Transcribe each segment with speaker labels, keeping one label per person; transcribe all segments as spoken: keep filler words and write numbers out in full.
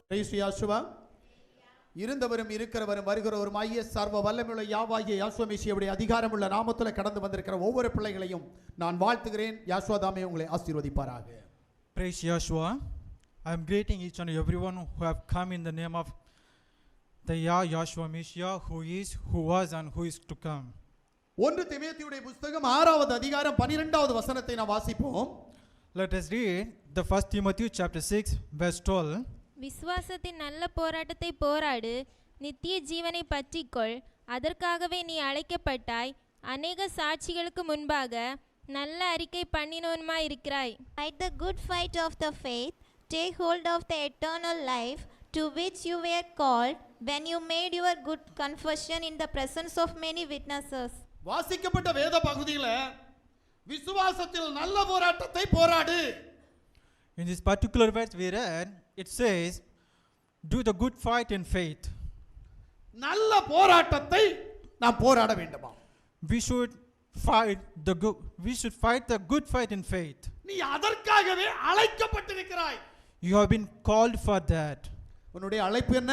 Speaker 1: Praise Yahshua. இருந்தவரும் இருக்கிறவரும் வருகிறவரும் ஐய சர்வ வல்லமையுள்ள யாவாகிய யாசுவா மெசியாவுடைய அதிகாரமுள்ள நாமத்தில் கடந்து வந்திருக்கிற ஒவ்வொரு பிள்ளைகளையும் நான் வாழ்த்துகிறேன். யாசுவா தாமே உங்களை ஆசீர்வதிப்பாராக.
Speaker 2: Praise Yahshua. I am greeting each and everyone who have come in the name of the Yah Yahshua Messiah, who is, who was and who is to come.
Speaker 1: ஒன்று தீமோத்தேயுடைய புத்தகம் ஆறாவது அதிகாரம் பன்னிரண்டாவது வசனத்தை நாம் வாசிப்போம்.
Speaker 2: Let us read the first Timothy chapter six verse twelve.
Speaker 3: விசுவாசத்தின் நல்ல போராட்டத்தை போராடு, நித்திய ஜீவனை பற்றிக்கொள், அதற்காகவே நீ அழைக்கப்பட்டாய், அநேக சாட்சிகளுக்கு முன்பாக நல்ல அறிக்கை பண்ணினவனுமாய் இருக்கிறாய்.
Speaker 4: Fight the good fight of the faith, take hold of the eternal life to which you were called when you made your good confession in the presence of many witnesses.
Speaker 1: வாசிக்கப்பட்ட வேத பகுதியில விசுவாசத்தில் நல்ல போராட்டத்தை போராடு.
Speaker 2: In this particular verse we read, it says, do the good fight in faith.
Speaker 1: நல்ல போராட்டத்தை நாம் போராட வேண்டுமா?
Speaker 2: We should fight the good we should fight the good fight in faith.
Speaker 1: நீ அதற்காகவே அழைக்கப்பட்டிருக்கிறாய்.
Speaker 2: You have been called for that.
Speaker 1: உன்னுடைய அழைப்பு என்ன?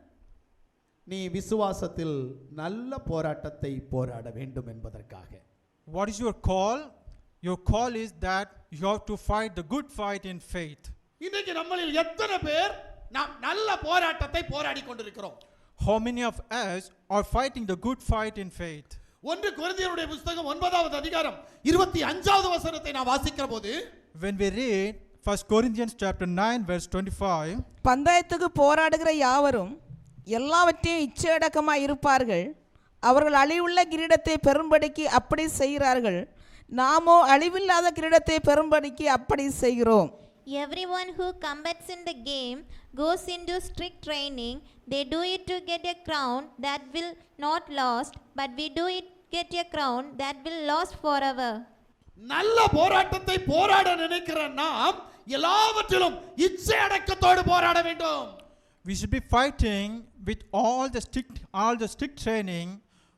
Speaker 1: நீ விசுவாசத்தில் நல்ல போராட்டத்தை போராட வேண்டும் என்பதற்காக.
Speaker 2: What is your call? Your call is that you have to fight the good fight in faith.
Speaker 1: இன்னைக்கு நம்மளில் எத்தனை பேர் நாம் நல்ல போராட்டத்தை போராடி கொண்டிருக்கிறோம்?
Speaker 2: How many of us are fighting the good fight in faith?
Speaker 1: ஒன்று கொரிந்தியருடைய புத்தகம் ஒன்பதாவது அதிகாரம் இருபத்தி ஐந்தாவது வசனத்தை நான் வாசிக்கிற போது,
Speaker 2: When we read First Corinthians chapter nine verse twenty-five,
Speaker 5: பந்தயத்துக்கு போராடுகிற யாவரும் எல்லாவற்றையும் இச்சையடக்கமாய் இருப்பார்கள், அவர்கள் அழிவுள்ள கிரீடத்தை பெறும்படிக்கு அப்படி செய்கிறார்கள், நாமோ அழிவில்லாத கிரீடத்தை பெறும்படிக்கு அப்படி செய்கிறோம்.
Speaker 4: Everyone who combats in the game goes into strict training. They do it to get a crown that will not last, but we do it get a crown that will last forever.
Speaker 1: நல்ல போராட்டத்தை போராட நினைக்கிற நாம் எல்லாவற்றிலும் இச்சை அடக்கத்தோடு போராட வேண்டும்.
Speaker 2: we should be fighting with all the strict all the strict training.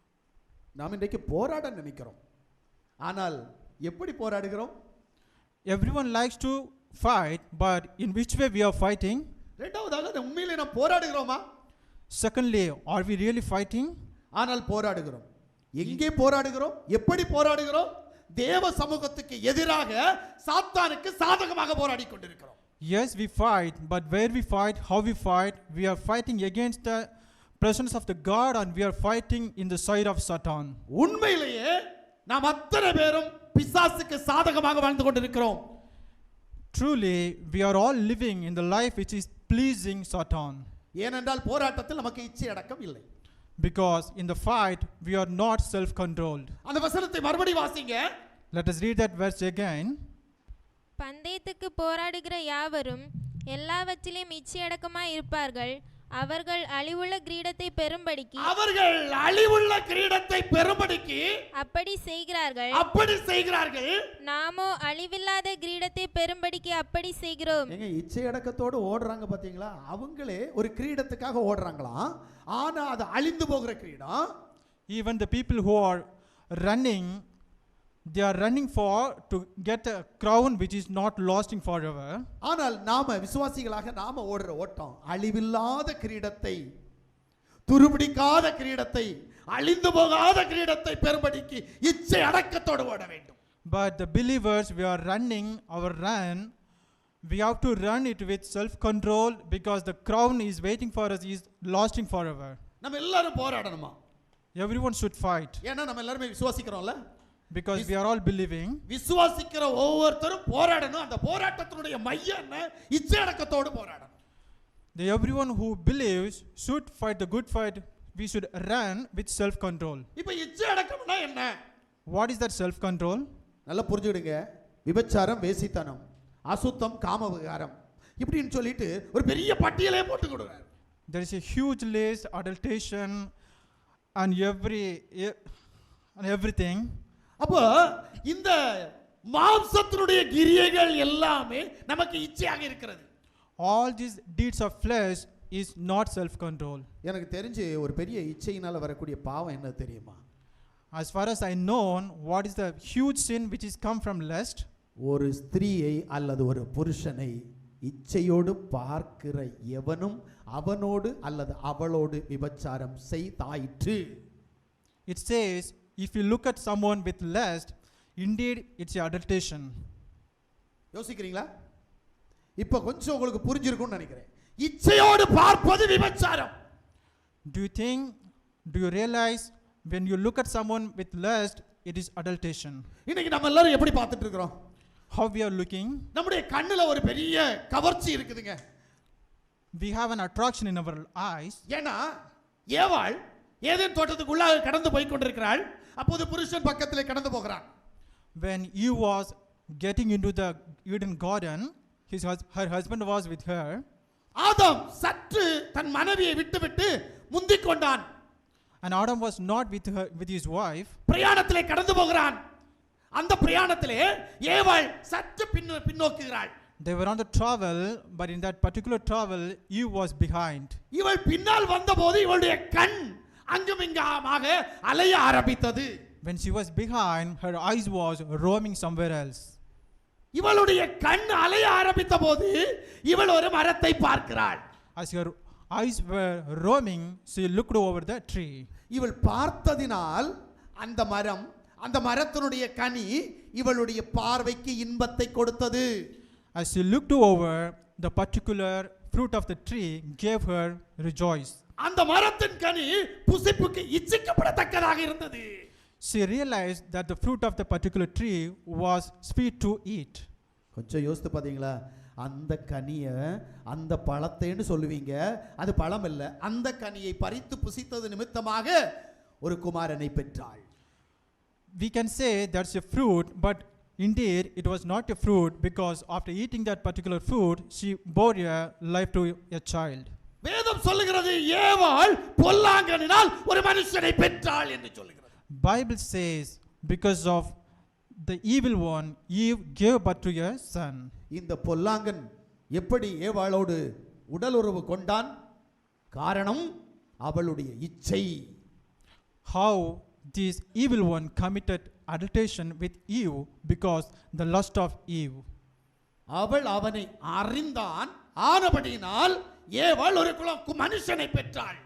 Speaker 1: நாம் இன்றைக்கு போராட நினைக்கிறோம், ஆனால் எப்படி போராடுகிறோம்?
Speaker 2: Everyone likes to fight, but in which way we are fighting?
Speaker 1: இரண்டாவதாக உண்மையிலே நாம் போராடுகிறோமா?
Speaker 2: Secondly, are we really fighting?
Speaker 1: ஆனால் போராடுகிறோம். எங்கே போராடுகிறோம்? எப்படி போராடுகிறோம்? தேவ சமூகத்துக்கு எதிராக சாத்தானுக்கு சாதகமாக போராடி கொண்டிருக்கிறோம்.
Speaker 2: Yes, we fight, but where we fight, how we fight, we are fighting against the presence of the God, and we are fighting in the side of Satan.
Speaker 1: உண்மையிலேயே நாம் அத்தனை பேரும் பிசாசுக்கு சாதகமாக வாழ்ந்து கொண்டிருக்கிறோம்.
Speaker 2: Truly, we are all living in the life which is pleasing Satan.
Speaker 1: ஏனென்றால் போராட்டத்தில் நமக்கு இச்சை அடக்கம் இல்லை.
Speaker 2: Because in the fight, we are not self-controlled.
Speaker 1: அந்த வசனத்தை மறுபடியும் வாசிங்க.
Speaker 2: Let us read that verse again.
Speaker 3: பந்தயத்துக்கு போராடுகிற யாவரும் எல்லாவற்றிலும் இச்சையடக்கமாய் இருப்பார்கள், அவர்கள் அழிவுள்ள கிரீடத்தை பெறும்படிக்கு
Speaker 1: அவர்கள் அழிவுள்ள கிரீடத்தை பெறும்படிக்கு
Speaker 3: அப்படி செய்கிறார்கள்,
Speaker 1: அப்படி செய்கிறார்கள்.
Speaker 3: நாமோ அழிவில்லாத கிரீடத்தை பெறும்படிக்கு அப்படி செய்கிறோம்.
Speaker 1: ஏங்க இச்சை அடக்கத்தோடு ஓடுறாங்க பாத்தீங்களா? அவங்களே ஒரு கிரீடத்துக்காக ஓடுறாங்களாம், ஆனா அது அழிந்து போகிற கிரீடம்.
Speaker 2: Even the people who are running, they are running for to get a crown which is not lasting forever.
Speaker 1: ஆனால் நாம விசுவாசிகளாக நாம ஓடுற ஓட்டம் அழிவில்லாத கிரீடத்தை, துருபிடிக்காத கிரீடத்தை, அழிந்து போகாத கிரீடத்தை பெறும்படிக்கு இச்சை அடக்கத்தோடு ஓட வேண்டும்.
Speaker 2: But the believers, we are running our run, we have to run it with self-control, because the crown is waiting for us, is lasting forever.
Speaker 1: நம்ம எல்லாரும் போராடணுமா?
Speaker 2: Everyone should fight,
Speaker 1: ஏன்னா நம்ம எல்லாரும் விசுவாசிக்கிறோம்ல.
Speaker 2: because we are all believing.
Speaker 1: விசுவாசிக்கிற ஒவ்வொருத்தரும் போராடணும். அந்த போராட்டத்தினுடைய மையம் என்ன? இச்சை அடக்கத்தோடு போராடணும்.
Speaker 2: The everyone who believes should fight the good fight. We should run with self-control.
Speaker 1: இப்போ இச்சை அடக்கம்னா என்ன?
Speaker 2: What is that self-control?
Speaker 1: நல்லா புரிஞ்சுடுங்க. விபச்சாரம், வேசித்தனம், அசுத்தம், காம விகாரம், இப்படின்னு சொல்லிட்டு ஒரு பெரிய பட்டியலே போட்டு கொடுறாரு.
Speaker 2: There is a huge list, adulteration and every and everything.
Speaker 1: அப்போ இந்த மாம்சத்தினுடைய கிரியைகள் எல்லாமே நமக்கு இச்சையாக இருக்கிறது.
Speaker 2: All these deeds of flesh is not self-control.
Speaker 1: எனக்கு தெரிஞ்சு ஒரு பெரிய இச்சையினால வரக்கூடிய பாவம் என்ன தெரியுமா?
Speaker 2: As far as I know, what is the huge sin which is come from lust?
Speaker 1: ஒரு ஸ்திரீயை அல்லது ஒரு புருஷனை இச்சையோடு பார்க்கிற எவனும் அவனோடு அல்லது அவளோடு விபச்சாரம் செய்தாயிற்று.
Speaker 2: It says, if you look at someone with lust, indeed it's adulteration.
Speaker 1: யோசிக்கிறீங்களா? இப்ப கொஞ்சம் உங்களுக்கு புரிஞ்சிருக்கும்னு நினைக்கிறேன். இச்சையோடு பார்ப்பது விபச்சாரம்.
Speaker 2: Do you think, do you realize when you look at someone with lust, it is adulteration?
Speaker 1: இன்னைக்கு நம்ம எல்லாரும் எப்படி பார்த்துட்டு இருக்கிறோம்?
Speaker 2: How we are looking?
Speaker 1: நம்முடைய கண்ணுல ஒரு பெரிய கவர்ச்சி இருக்குதுங்க.
Speaker 2: We have an attraction in our eyes.
Speaker 1: ஏன்னா ஏவாள் ஏதேன் தோட்டத்துக்குள்ளாக கடந்து போய் கொண்டிருக்கிறாள். அப்போது புருஷன் பக்கத்திலே கடந்து போகிறான்.
Speaker 2: When Eve was getting into the Eden garden, his hus- her husband was with her.
Speaker 1: ஆதாம் சற்று தன் மனைவியை விட்டுவிட்டு முந்திக் கொண்டான்.
Speaker 2: And Adam was not with her, with his wife.
Speaker 1: பிரயாணத்திலே கடந்து போகிறான். அந்த பிரயாணத்திலே ஏவாள் சற்று பின் பின்னோக்குகிறாள்.
Speaker 2: They were on the travel, but in that particular travel, Eve was behind.
Speaker 1: இவள் பின்னால் வந்தபோது இவளுடைய கண் அங்கும் இங்குமாக அலைய ஆரம்பித்தது.
Speaker 2: When she was behind, her eyes was roaming somewhere else.
Speaker 1: இவளுடைய கண் அலைய ஆரம்பித்த போது இவள் ஒரு மரத்தை பார்க்கிறாள்.
Speaker 2: As her eyes were roaming, she looked over the tree.
Speaker 1: இவள் பார்த்ததினால் அந்த மரம் அந்த மரத்தினுடைய கனி இவளுடைய பார்வைக்கு இன்பத்தை கொடுத்தது.
Speaker 2: As she looked over, the particular fruit of the tree gave her rejoice.
Speaker 1: அந்த மரத்தின் கனி புசிப்புக்கு இச்சிக்கப்படத்தக்கதாக இருந்தது.
Speaker 2: She realized that the fruit of the particular tree was sweet to eat.
Speaker 1: கொஞ்சம் யோசித்து பாத்தீங்களா? அந்த கனியை அந்த பழத்தைன்னு சொல்லுவீங்க, அது பழம் இல்லை. அந்த கனியை பறித்து புசித்தது நிமித்தமாக ஒரு குமாரனை பெற்றாள்.
Speaker 2: We can say that's a fruit, but indeed it was not a fruit, because after eating that particular fruit, she bore a life to a child.
Speaker 1: வேதம் சொல்லுகிறது ஏவாள் பொல்லாங்கனினால் ஒரு மனுஷனை பெற்றாள் என்று சொல்லுகிறது.
Speaker 2: Bible says because of the evil one, Eve gave birth to a son.
Speaker 1: இந்த பொல்லாங்கன் எப்படி ஏவாளோடு உடலுறவு கொண்டான்? காரணம் அவளுடைய இச்சை.
Speaker 2: How this evil one committed adulteration with Eve because the lust of Eve.
Speaker 1: அவள் அவனை அறிந்தான், ஆனபடியினால் ஏவாள் ஒரு குல மனுஷனை பெற்றாள்.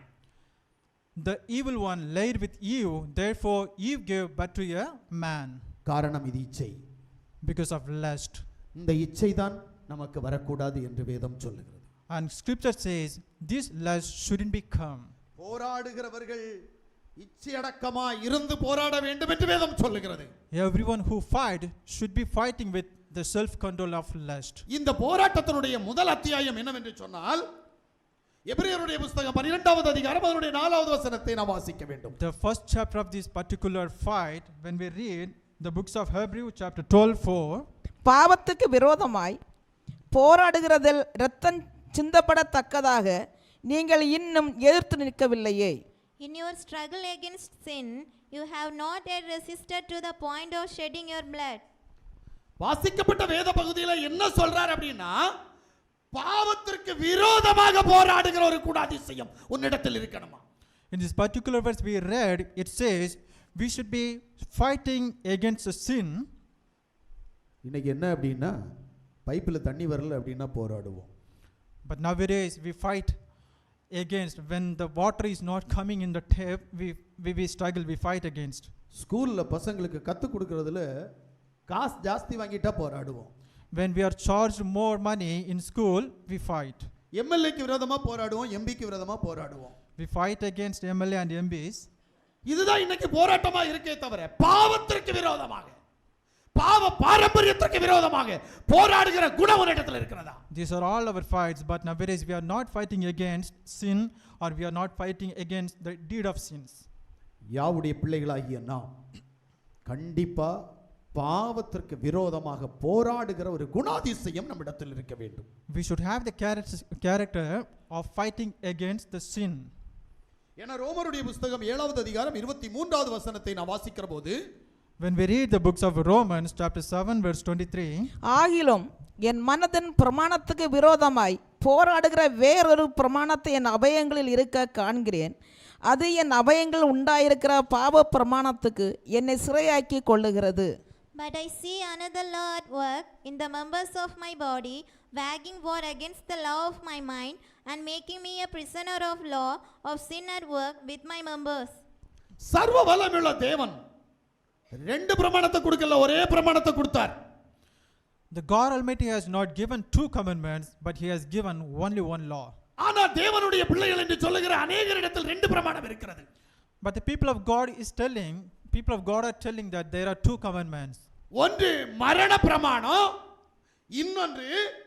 Speaker 2: The evil one laid with Eve, therefore Eve gave birth to a man.
Speaker 1: காரணம் இது இச்சை.
Speaker 2: Because of lust.
Speaker 1: இந்த இச்சை தான் நமக்கு வரக்கூடாது என்று வேதம் சொல்லுகிறது.
Speaker 2: And scripture says this lust shouldn't become.
Speaker 1: போராடுகிறவர்கள் இச்சையடக்கமா இருந்து போராட வேண்டும் என்று வேதம் சொல்லுகிறது.
Speaker 2: Everyone who fight should be fighting with the self control of lust.
Speaker 1: இந்த போராட்டத்தினுடைய முதல் அத்தியாயம் என்னவென்று சொன்னால் எபிரேயருடைய புத்தகம் பன்னிரண்டாவது அதிகாரம் அதனுடைய நாலாவது வசனத்தை நாம் வாசிக்க வேண்டும்.
Speaker 2: The first chapter of this particular fight, when we read the books of Hebrew chapter twelve four,
Speaker 5: பாவத்துக்கு விரோதமாய் போராடுகிறதில் இரத்தம் சிந்தப்படத்தக்கதாக நீங்கள் இன்னும் எதிர்த்து நிற்கவில்லையே.
Speaker 4: In your struggle against sin, you have not yet resisted to the point of shedding your blood.
Speaker 1: வாசிக்கப்பட்ட வேத பகுதியில என்ன சொல்றார் அப்படின்னா, பாவத்திற்கு விரோதமாக போராடுகிற ஒரு குணாதிசயம் உன்னிடத்தில் இருக்கணுமா?
Speaker 2: in this particular verse we read, it says we should be fighting against the sin.
Speaker 1: இன்னைக்கு என்ன அப்படின்னா, பைப்பில் தண்ணி வரல அப்படின்னா போராடுவோம்.
Speaker 2: But nowadays we fight against when the water is not coming in the tap, we, we we struggle, we fight against.
Speaker 1: ஸ்கூல்ல பசங்களுக்கு கத்து கொடுக்கறதுல காசு ஜாஸ்தி வாங்கிட்டா போராடுவோம்.
Speaker 2: When we are charged more money in school, we fight.
Speaker 1: எம்எல்ஏக்கு விரோதமா போராடுவோம், எம்பிக்கு விரோதமா போராடுவோம்.
Speaker 2: We fight against M L A and M Ps.
Speaker 1: இதுதான் இன்னைக்கு போராட்டமா இருக்கே தவிர பாவத்திற்கு விரோதமாக, பாவ பாரம்பரியத்திற்கு விரோதமாக போராடுகிற குணம் ஒரு இடத்துல இருக்கிறதா?
Speaker 2: These are all our fights, but nowadays we are not fighting against sin, or we are not fighting against the deed of sins.
Speaker 1: யாவுடைய பிள்ளைகளாகிய நாம் கண்டிப்பா பாவத்திற்கு விரோதமாக போராடுகிற ஒரு குணாதிசயம் நம்மிடத்தில் இருக்க வேண்டும்.
Speaker 2: We should have the character character of fighting against the sin.
Speaker 1: ஏன்னா ரோமருடைய புத்தகம் ஏழாவது அதிகாரம் இருபத்தி மூன்றாவது வசனத்தை நான் வாசிக்கிற போது,
Speaker 2: When we read the books of Romans chapter seven verse twenty-three,
Speaker 5: ஆகிலும் என் மனதின் பிரமாணத்துக்கு விரோதமாய் போராடுகிற வேறொரு பிரமாணத்தை என் அபயங்களில் இருக்க காண்கிறேன். அது என் அபயங்கள் உண்டாயிருக்கிற பாவ பிரமாணத்துக்கு என்னை சிறையாக்கி கொள்ளுகிறது.
Speaker 4: But I see another law at work in the members of my body, waging war against the law of my mind, and making me a prisoner of law of sin at work with my members.
Speaker 1: சர்வ வல்லமையுள்ள தேவன் ரெண்டு பிரமாணத்தை கொடுக்கல, ஒரே பிரமாணத்தை கொடுத்தார்.
Speaker 2: The God Almighty has not given two commandments, but He has given only one law.
Speaker 1: ஆனா தேவனுடைய பிள்ளைகள் என்று சொல்லுகிற அநேகரிடத்தில் ரெண்டு பிரமாணம் இருக்கிறது.
Speaker 2: But the people of God is telling, people of God are telling that there are two commandments.
Speaker 1: ஒன்று மரண பிரமாணம், இன்னொன்று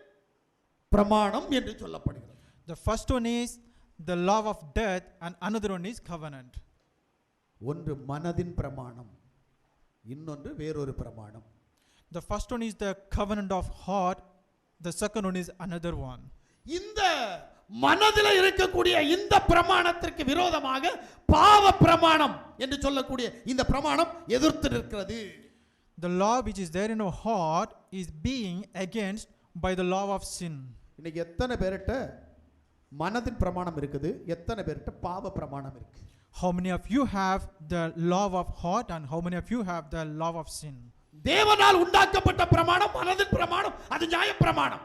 Speaker 1: பிரமாணம் என்று சொல்லப்படுகிறது.
Speaker 2: The first one is the law of death and another one is covenant.
Speaker 1: ஒன்று மனதின் பிரமாணம், இன்னொன்று வேறொரு பிரமாணம்.
Speaker 2: The first one is the covenant of heart, the second one is another one.
Speaker 1: இந்த மனதில் இருக்கக்கூடிய இந்த பிரமாணத்திற்கு விரோதமாக பாவ பிரமாணம் என்று சொல்லக்கூடிய இந்த பிரமாணம் எதிர்த்து நிற்கிறது.
Speaker 2: The law which is there in our heart is being against by the law of sin.
Speaker 1: இன்னைக்கு எத்தனை பேர்ட்ட மனதின் பிரமாணம் இருக்குது, எத்தனை பேர்ட்ட பாவ பிரமாணம் இருக்கு?
Speaker 2: How many of you have the law of heart and how many of you have the law of sin?
Speaker 1: தேவனால் உண்டாக்கப்பட்ட பிரமாணம் மனதின் பிரமாணம், அது நியாய பிரமாணம்.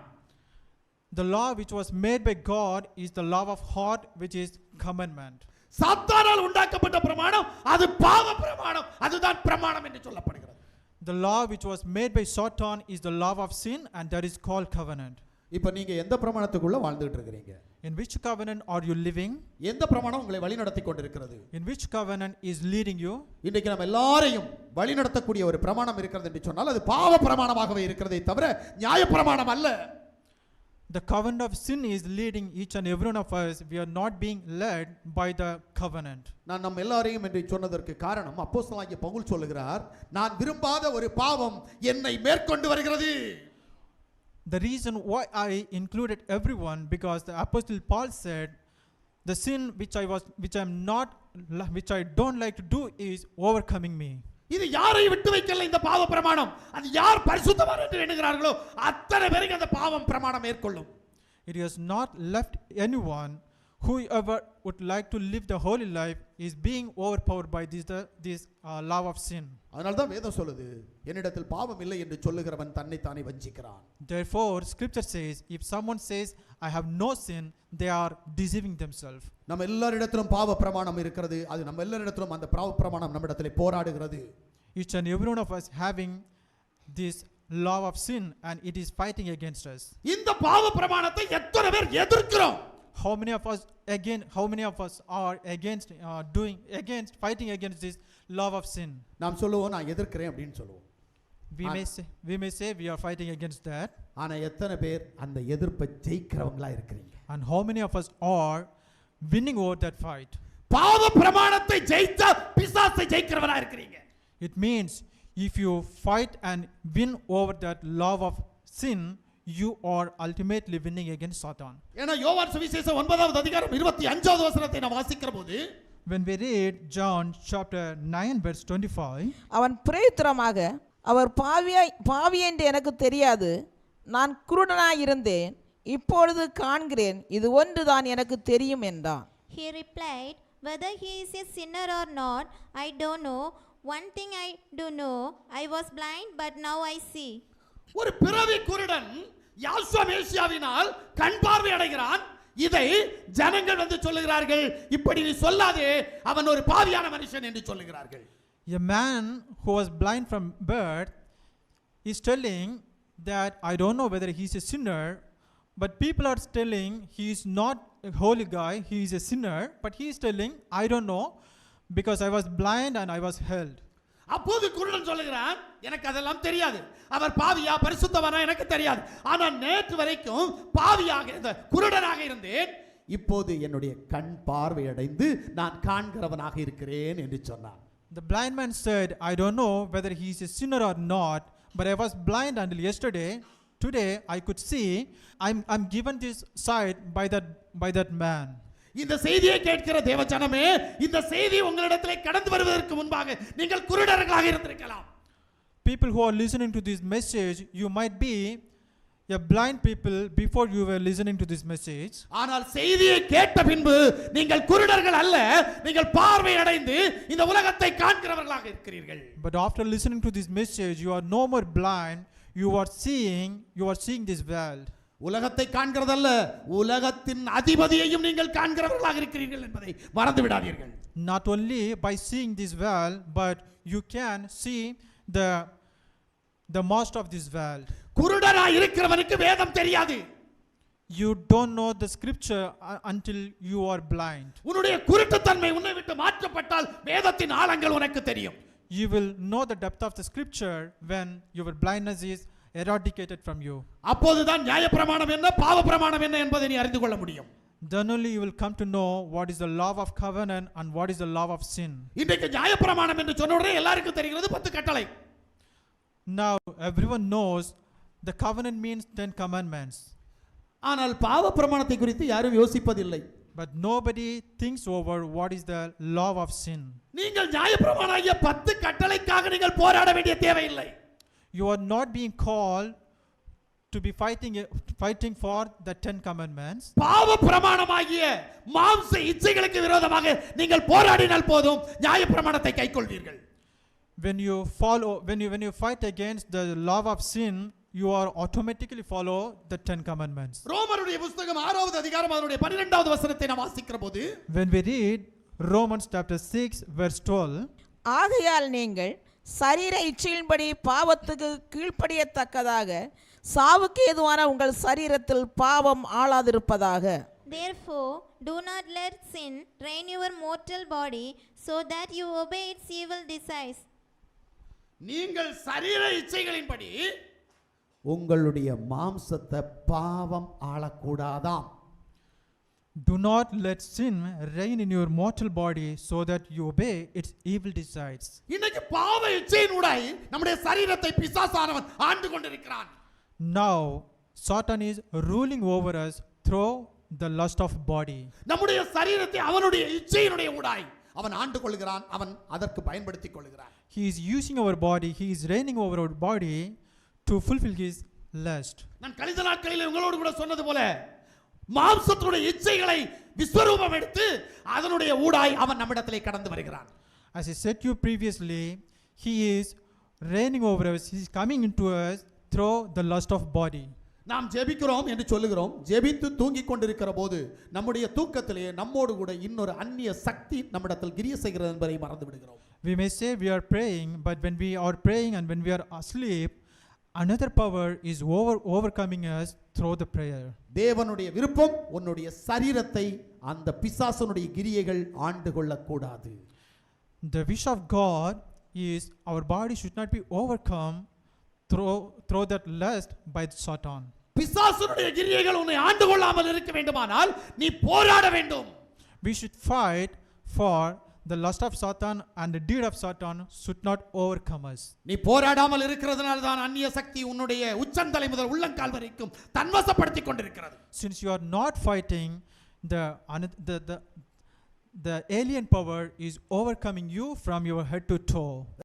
Speaker 2: The law which was made by God is the law of heart, which is commandment.
Speaker 1: சாத்தானால் உண்டாக்கப்பட்ட பிரமாணம் அது பாவ பிரமாணம், அதுதான் பிரமாணம் என்று சொல்லப்படுகிறது.
Speaker 2: The law which was made by Satan is the law of sin, and that is called covenant.
Speaker 1: இப்போ நீங்க எந்த பிரமாணத்துக்குள்ள வாழ்ந்துட்டு இருக்கீங்க?
Speaker 2: In which covenant are you living?
Speaker 1: எந்த பிரமாணம் உங்களை வழி நடத்தி கொண்டிருக்கிறது?
Speaker 2: In which covenant is leading you?
Speaker 1: இன்றைக்கு நம்ம எல்லாரையும் வழி நடத்தக்கூடிய ஒரு பிரமாணம் இருக்கிறது என்று சொன்னால் அது பாவ பிரமாணமாகவே இருக்கிறதே தவிர நியாய பிரமாணம் அல்ல.
Speaker 2: The covenant of sin is leading each and every one of us. We are not being led by the covenant.
Speaker 1: நான் நம்ம எல்லாரையும் என்று சொன்னதற்கு காரணம் அப்போஸ்தலனாகிய பவுல் சொல்லுகிறார், நான் விரும்பாத ஒரு பாவம் என்னை மேற்கொண்டு வருகிறது.
Speaker 2: The reason why I included everyone, because the apostle Paul said, the sin which I was, which I am not, which I don't like to do is overcoming me.
Speaker 1: இது யாரை விட்டு வைக்கல இந்த பாவ பிரமாணம், அது யார் பரிசுத்தவான் என்று எண்ணுகிறார்களோ அத்தனை பேருக்கு அந்த பாவம் பிரமாணம் மேற்கொள்ளும்.
Speaker 2: It has not left anyone. Whoever would like to live the holy life is being overpowered by this the, this uh, law of sin.
Speaker 1: அதனால தான் வேதம் சொல்லுது, என்னிடத்தில் பாவம் இல்லை என்று சொல்லுகிறவன் தன்னை தானே வஞ்சிக்கிறான்.
Speaker 2: Therefore scripture says, if someone says I have no sin, they are deceiving themselves.
Speaker 1: நம்ம எல்லாரிடத்திலும் பாவ பிரமாணம் இருக்கிறது, அது நம்ம எல்லாரிடத்திலும் அந்த பாவ பிரமாணம் நம்மிடத்திலே போராடுகிறது.
Speaker 2: Each and every one of us having this law of sin, and it is fighting against us.
Speaker 1: இந்த பாவ பிரமாணத்தை எத்தனை பேர் எதிர்க்கிறோம்?
Speaker 2: How many of us again how many of us are against uh, doing against fighting against this law of sin?
Speaker 1: நாம் சொல்லுவோம் நான் எதிர்க்கிறேன் அப்படின்னு சொல்லுவோம்.
Speaker 2: We may say we may say we are fighting against that.
Speaker 1: ஆனா எத்தனை பேர் அந்த எதிர்ப்பை ஜெயிக்கிறவங்களா இருக்கிறீங்க?
Speaker 2: And how many of us are winning over that fight?
Speaker 1: பாவ பிரமாணத்தை ஜெயித்த பிசாசை ஜெயிக்கிறவரா இருக்கிறீங்க.
Speaker 2: It means if you fight and win over that law of sin, you are ultimately winning against Satan.
Speaker 1: ஏனா யோவான் சுவிசேஷம் ஒன்பதாவது அதிகாரம் இருபத்தி ஐந்தாவது வசனத்தை நாம் வாசிக்கிறபோது,
Speaker 2: when we read John chapter nine verse twenty-five,
Speaker 5: அவன் பிரயுத்தரமாக, அவர் பாவியாய் பாவி என்று எனக்கு தெரியாது, நான் குருடனாய் இருந்தேன், இப்பொழுது காண்கிறேன், இது ஒன்றுதான் எனக்கு தெரியும் என்றான்.
Speaker 4: He replied, whether he is a sinner or not, I don't know. One thing I do know, I was blind, but now I see.
Speaker 1: ஒரு பிறவி குருடன் யாசுவா மேசியாவினால் கண் பார்வை அடைகிறான். இதை ஜனங்கள் வந்து சொல்லுகிறார்கள், இப்படி நீ சொல்லாதே, அவன் ஒரு பாவியான மனுஷன் என்று சொல்லுகிறார்கள்.
Speaker 2: a man who was blind from birth is telling that I don't know whether he is a sinner, but people are telling he is not a holy guy, he is a sinner, but he is telling I don't know because I was blind and I was held.
Speaker 1: அப்போது குருடன் சொல்லுகிறான், எனக்கு அதெல்லாம் தெரியாது, அவர் பாவியா பரிசுத்தவானா எனக்கு தெரியாது, ஆனால் நேற்று வரைக்கும் பாவியாக இந்த குருடனாக இருந்தேன், இப்போது என்னுடைய கண் பார்வை அடைந்து நான் காண்கிறவனாக இருக்கிறேன் என்று சொன்னான்.
Speaker 2: The blind man said, I don't know whether he is a sinner or not, but I was blind until yesterday. Today I could see. I'm I'm given this sight by that by that man.
Speaker 1: இந்த செய்தியை கேட்கிற தேவஜனமே, இந்த செய்தி உங்களிடத்திலே கடந்து வருவதற்கு முன்பாக நீங்கள் குருடர்களாக இருந்திருக்கலாம்.
Speaker 2: People who are listening to this message, you might be a blind people before you were listening to this message.
Speaker 1: ஆனால் செய்தியை கேட்ட பின்பு நீங்கள் குருடர்கள் அல்ல, நீங்கள் பார்வை அடைந்து இந்த உலகத்தை காண்கிறவர்களாக இருக்கிறீர்கள்.
Speaker 2: But after listening to this message, you are no more blind, you are seeing, you are seeing this world.
Speaker 1: உலகத்தை காண்கிறதல்ல, உலகத்தின் அதிபதியையும் நீங்கள் காண்கிறவர்களாக இருக்கிறீர்கள் என்பதை மறந்து விடாதீர்கள்.
Speaker 2: Not only by seeing this world, but you can see the the master of this world.
Speaker 1: குருடனாய் இருக்கிறவனுக்கு வேதம் தெரியாது.
Speaker 2: You don't know the scripture uh, until you are blind.
Speaker 1: உன்னுடைய குருட்டுத்தன்மை உன்னை விட்டு மாற்றப்பட்டால் வேதத்தின் ஆழங்கள் உனக்கு தெரியும்.
Speaker 2: You will know the depth of the scripture when your blindness is eradicated from you.
Speaker 1: அப்போதுதான் நியாயப்பிரமாணம் என்ன, பாவ பிரமாணம் என்ன என்பதை நீ அறிந்து கொள்ள முடியும்.
Speaker 2: Then only you will come to know what is the law of covenant and what is the law of sin.
Speaker 1: இன்றைக்கு நியாயப்பிரமாணம் என்று சொன்ன உடனே எல்லாருக்கும் தெரிகிறது பத்து கட்டளை.
Speaker 2: Now everyone knows the covenant means ten commandments.
Speaker 1: ஆனால் பாவ பிரமாணத்தை குறித்து யாரும் யோசிப்பதில்லை.
Speaker 2: But nobody thinks over what is the law of sin.
Speaker 1: நீங்கள் நியாயப்பிரமாணமாகிய பத்து கட்டளைக்காக நீங்கள் போராட வேண்டிய தேவையில்லை.
Speaker 2: You are not being called to be fighting fighting for the ten commandments.
Speaker 1: பாவ பிரமாணமாகிய மாம்ச இச்சைகளுக்கு விரோதமாக நீங்கள் போராடினால் போதும், நியாயப்பிரமாணத்தை கைக்கொள்வீர்கள்.
Speaker 2: When you follow when you when you fight against the law of sin, you are automatically follow the ten commandments.
Speaker 1: ரோமருடைய புத்தகம் ஆறாவது அதிகாரம் அதனுடைய பன்னிரண்டாவது வசனத்தை நாம் வாசிக்கிற போது,
Speaker 2: When we read Romans chapter six verse twelve,
Speaker 5: ஆகையால் நீங்கள் சரீர இச்சையின்படி பாவத்துக்கு கீழ்ப்படியத்தக்கதாக சாவுக்கு ஏதுவான உங்கள் சரீரத்தில் பாவம் ஆளாதிருப்பதாக.
Speaker 4: Therefore, do not let sin reign your mortal body, so that you obey its evil desires.
Speaker 1: நீங்கள் சரீர இச்சைகளின்படி உங்களுடைய மாம்சத்தை பாவம் ஆளக்கூடாதாம்.
Speaker 2: do not let sin reign in your mortal body, so that you obey its evil desires.
Speaker 1: இன்னைக்கு பாவ இச்சையினூடாய் நம்முடைய சரீரத்தை பிசாசானவன் ஆண்டு கொண்டிருக்கிறான்.
Speaker 2: Now Satan is ruling over us through the lust of body.
Speaker 1: நம்முடைய சரீரத்தை அவனுடைய இச்சையினுடைய ஊடாய் அவன் ஆண்டு கொள்கிறான், அவன் அதற்கு பயன்படுத்திக் கொள்கிறான்.
Speaker 2: He is using our body, he is reigning over our body to fulfill his lust.
Speaker 1: நான் கழிந்த நாட்களில் உங்களோடு கூட சொன்னது போல மாம்சத்துடைய இச்சைகளை விஸ்வரூபம் எடுத்து அதனுடைய ஊடாய் அவன் நம்மிடத்திலே கடந்து வருகிறான்.
Speaker 2: As I said to you previously, he is reigning over us, he is coming into us through the lust of body.
Speaker 1: நாம் ஜெபிக்கிறோம் என்று சொல்லுகிறோம். ஜெபித்து தூங்கிக் கொண்டிருக்கிற போது நம்முடைய தூக்கத்திலே நம்மோடு கூட இன்னொரு அந்நிய சக்தி நம்மிடத்தில் கிரிய செய்கிறது என்பதை மறந்து விடுகிறோம்.
Speaker 2: We may say we are praying, but when we are praying and when we are asleep, another power is over overcoming us through the prayer.
Speaker 1: தேவனுடைய விருப்பம் உன்னுடைய சரீரத்தை அந்த பிசாசனுடைய கிரியைகள் ஆண்டு கொள்ளக்கூடாது.
Speaker 2: The wish of God is our body should not be overcome through through that lust by Satan.
Speaker 1: பிசாசனுடைய கிரியைகள் உன்னை ஆண்டு கொள்ளாமல் இருக்க வேண்டுமானால் நீ போராட வேண்டும்.
Speaker 2: We should fight for the lust of Satan, and the deed of Satan should not overcome us.
Speaker 1: நீ போராடாமல் இருக்கிறதுனால தான் அந்நிய சக்தி உன்னுடைய உச்சந்தலை முதல் உள்ளங்கால் வரைக்கும் தன்வசப்படுத்திக் கொண்டிருக்கிறது.
Speaker 2: Since you are not fighting, the the the the alien power is overcoming you from your head to toe.